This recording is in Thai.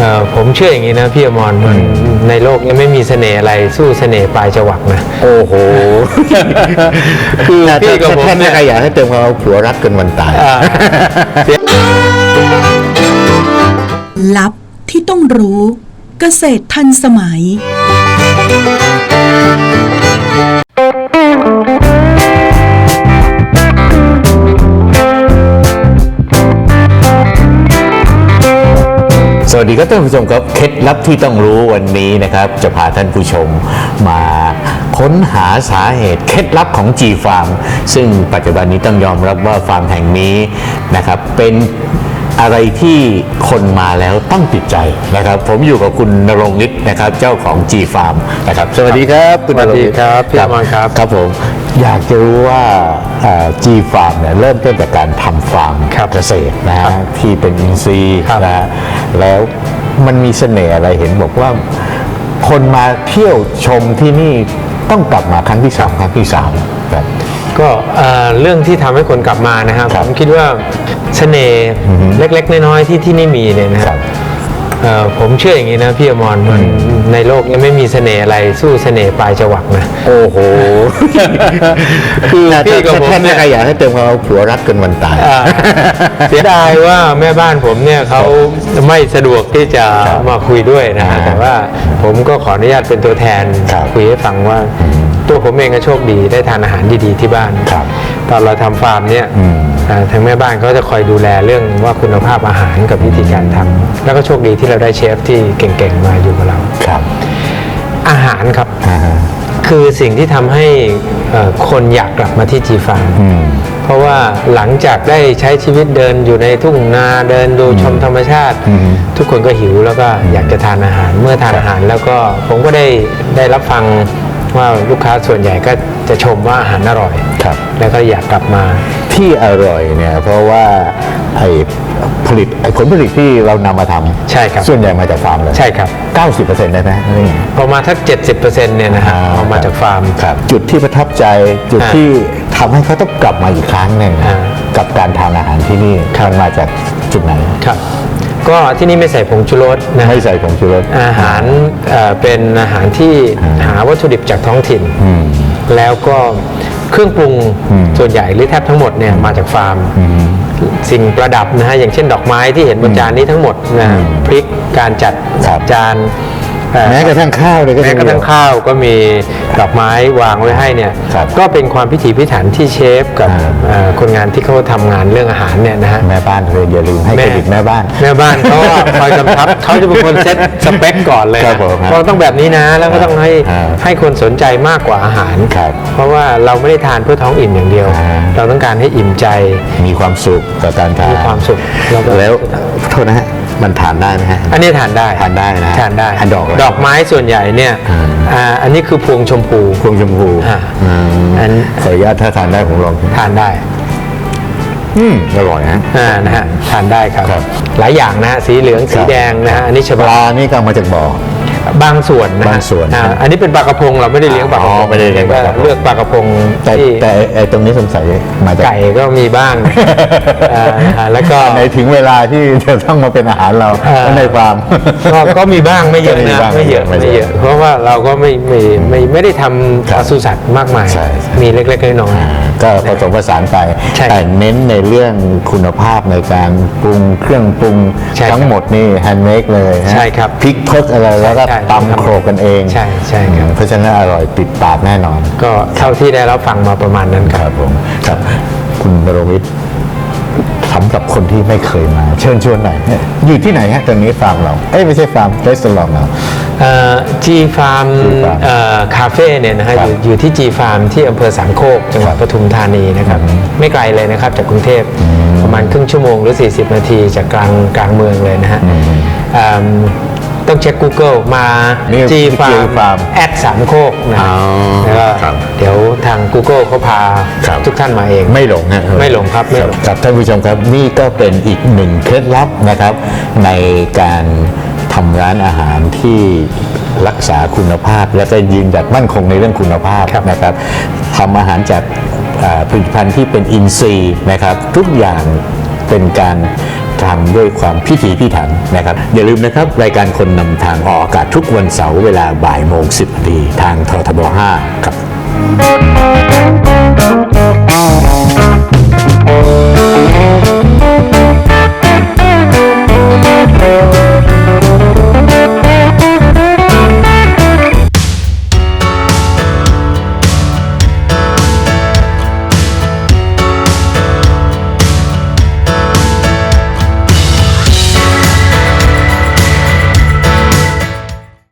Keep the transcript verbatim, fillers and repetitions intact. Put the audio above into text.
ผมเชื่ออย่างนี้นะพี่อมรมันในโลกยังไม่มีเสน่ห์อะไรสู้เสน่ห์ปลายจวักนะโอ้โหคือพี่กับผมเนี่ยใครอยากให้เติมความผัวรักกันวันตายลับที่ต้องรู้เกษตรทันสมัยสวัสดีครับท่านผู้ชมครับเคล็ดลับที่ต้องรู้วันนี้นะครับจะพาท่านผู้ชมมาค้นหาสาเหตุเคล็ดลับของ G Farm ซึ่งปัจจุบันนี้ต้องยอมรับว่าฟาร์มแห่งนี้นะครับเป็นอะไรที่คนมาแล้วต้องติดใจนะครับผมอยู่กับคุณณรงค์ฤทธิ์นะครับเจ้าของ G Farm นะครับสวัสดีครับคุณณรงค์สวัสดีครับพี่อมรครับครับผมอยากจะรู้ว่า G Farm เนี่ยเริ่มต้นจากการทำฟาร์มเกษตรนะฮะที่เป็นอินทรีย์นะฮะแล้วมันมีเสน่ห์อะไรเห็นบอกว่าคนมาเที่ยวชมที่นี่ต้องกลับมาครั้งที่สองครั้งที่สามครับก็เรื่องที่ทำให้คนกลับมานะครับผมคิดว่าเสน่ห์เล็กๆน้อยๆที่ที่นี่มีเนี่ยนะครับผมเชื่ออย่างนี้นะพี่อมรมันในโลกยังไม่มีเสน่ห์อะไรสู้เสน่ห์ปลายจวักนะโอ้โหคือพี่กับผมเนี่ยใครอยากให้เติมความผัวรักกันวันตายเสียดายว่าแม่บ้านผมเนี่ยเขาไม่สะดวกที่จะมาคุยด้วยนะฮะแต่ว่าผมก็ขออนุญาตเป็นตัวแทนคุยให้ฟังว่าตัวผมเองก็โชคดีได้ทานอาหารดีๆที่บ้านตอนเราทำฟาร์มเนี่ยทางแม่บ้านเขาจะคอยดูแลเรื่องว่าคุณภาพอาหารกับวิธีการทำแล้วก็โชคดีที่เราได้เชฟที่เก่งๆมาอยู่กับเราครับอาหารครับคือสิ่งที่ทำให้คนอยากกลับมาที่ G Farm เพราะว่าหลังจากได้ใช้ชีวิตเดินอยู่ในทุ่งนาเดินดูชมธรรมชาติทุกคนก็หิวแล้วก็อยากจะทานอาหารเมื่อทานอาหารแล้วก็ผมก็ได้ได้รับฟังว่าลูกค้าส่วนใหญ่ก็จะชมว่าอาหารอร่อยแล้วก็อยากกลับมาที่อร่อยเนี่ยเพราะว่าไอ้ผลิตไอ้ผลผลิตที่เรานำมาทำใช่ครับส่วนใหญ่มาจากฟาร์มเลยใช่ครับเก้าสิบเปอร์เซ็นต์ ได้ไหมนี่ประมาณทัก เจ็ดสิบเปอร์เซ็นต์ เนี่ยนะฮะเอามาจากฟาร์มครับจุดที่ประทับใจจุดที่ทำให้เขาต้องกลับมาอีกครั้งหนึ่งกับการทานอาหารที่นี่มันมาจากจุดไหนครับก็ที่นี่ไม่ใส่ผงชูรสนะไม่ใส่ผงชูรสอาหารเป็นอาหารที่หาวัตถุดิบจากท้องถิ่นแล้วก็เครื่องปรุงส่วนใหญ่หรือแทบทั้งหมดเนี่ยมาจากฟาร์มสิ่งประดับนะฮะอย่างเช่นดอกไม้ที่เห็นบนจานนี้ทั้งหมดนะพริกการจัดจานแม้กระทั่งข้าวเลยก็แม้กระทั่งข้าวก็มีดอกไม้วางไว้ให้เนี่ยก็เป็นความพิถีพิถันที่เชฟกับคนงานที่เขาทำงานเรื่องอาหารเนี่ยนะฮะแม่บ้านเลยอย่าลืมให้เครดิตแม่บ้านแม่บ้านเขาคอยกำชับเขาจะเป็นคนเซตสเปคก่อนเลยเราต้องแบบนี้นะแล้วก็ต้องให้ให้คนสนใจมากกว่าอาหารเพราะว่าเราไม่ได้ทานเพื่อท้องอิ่มอย่างเดียวเราต้องการให้อิ่มใจมีความสุขกับการทานมีความสุขแล้วโทษนะฮะมันทานได้ไหมฮะอันนี้ทานได้ทานได้นะทานได้ดอกดอกไม้ส่วนใหญ่เนี่ยอันนี้คือพวงชมพูพวงชมพูอันขออนุญาตถ้าทานได้ผมลองทานได้อืมอร่อยนะอ่านะฮะทานได้ครับหลายอย่างนะสีเหลืองสีแดงนะฮะอันนี้ปลานี่ก็มาจากบ่อบางส่วนนะบางส่วนอันนี้เป็นปลากระพงเราไม่ได้เลี้ยงปลากระพงไม่ได้เลี้ยงปลากระพงเลือกปลากระพงแต่แต่ไอ้ตรงนี้สงสัยมาจากไก่ก็มีบ้างแล้วก็ในถึงเวลาที่จะต้องมาเป็นอาหารเราในฟาร์มก็มีบ้างไม่เยอะนะไม่เยอะไม่เยอะเพราะว่าเราก็ไม่ไม่ไม่ไม่ได้ทำปศุสัตว์มากมายมีเล็กๆน้อยๆก็ผสมผสานไปแต่เน้นในเรื่องคุณภาพในการปรุงเครื่องปรุงทั้งหมดนี่แฮนด์เมดเลยใช่ครับพริกทดอะไรแล้วก็ตำโขลกกันเองใช่ใช่ครับเพราะฉะนั้นอร่อยติดปากแน่นอนก็เท่าที่ได้รับฟังมาประมาณนั้นครับผมครับคุณณรงค์ฤทธิ์สำหรับคนที่ไม่เคยมาเชิญชวนหน่อยอยู่ที่ไหนฮะตอนนี้ฟาร์มเราเอ้ยไม่ใช่ฟาร์มรีสอร์ทเรา G Farm คาเฟ่เนี่ยนะฮะอยู่ที่ G Farm ที่อำเภอสามโคกจังหวัดปทุมธานีนะครับไม่ไกลเลยนะครับจากกรุงเทพประมาณครึ่งชั่วโมงหรือสี่สิบนาทีจากกลางกลางเมืองเลยนะฮะต้องเช็ค Google มา G Farm แอดสามโคกนะแล้วก็เดี๋ยวทาง Google เขาพาทุกท่านมาเองไม่หลงนะไม่หลงครับไม่หลงครับท่านผู้ชมครับนี่ก็เป็นอีกหนึ่งเคล็ดลับนะครับในการทำร้านอาหารที่รักษาคุณภาพและก็ยืนหยัดมั่นคงในเรื่องคุณภาพนะครับทำอาหารจากผลิตภัณฑ์ที่เป็นอินทรีย์นะครับทุกอย่างเป็นการทำด้วยความพิถีพิถันนะครับอย่าลืมนะครับรายการคนนำทางออกอากาศทุกวันเสาร์เวลาบ่ายโมงสิบนาทีทางททบห้าครับ